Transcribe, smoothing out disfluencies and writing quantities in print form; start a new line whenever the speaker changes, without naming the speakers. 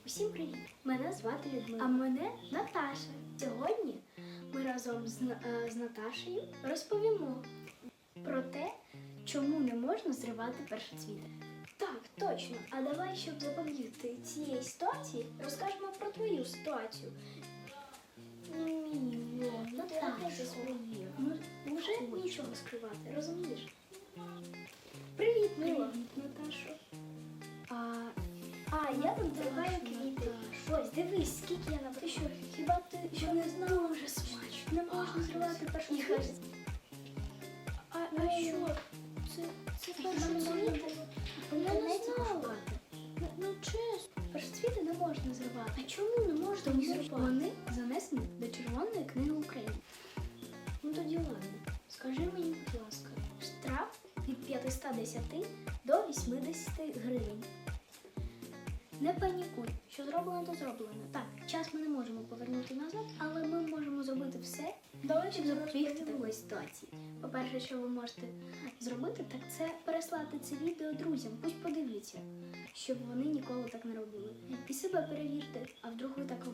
Усім привіт! Мене звати Людмила. А мене Наташа. Сьогодні ми разом з Наташею розповімо про те, чому не можна зривати першоцвіти. Так, точно. А давай, щоб запобігти цієї ситуації, розкажемо про твою ситуацію. Наташа, вже нічого скривати, розумієш? Привіт, Мила. Привіт, Наташо. Я там тримаю квіти. Ось, дивись, скільки я написала. Що, хіба ти що не знала? Дуже смачно. Не можна зривати першоцвіти. А що? Це першоцвіти? Я не знала. Ну, чесно. Першоцвіти не можна зривати. А чому не можна зривати? Вони занесені до Червоної книги України. Ну тоді ладно. Скажи мені, будь ласка, штраф від 510 до 80 гривень. Не панікуй, що зроблено, то зроблено. Так, час ми не можемо повернути назад, але ми можемо зробити все, щоб запобігти такої ситуації. По-перше, що ви можете зробити, так це переслати це відео друзям, пусть подивляться, щоб вони ніколи так не робили. І себе перевірте, а вдруг ви так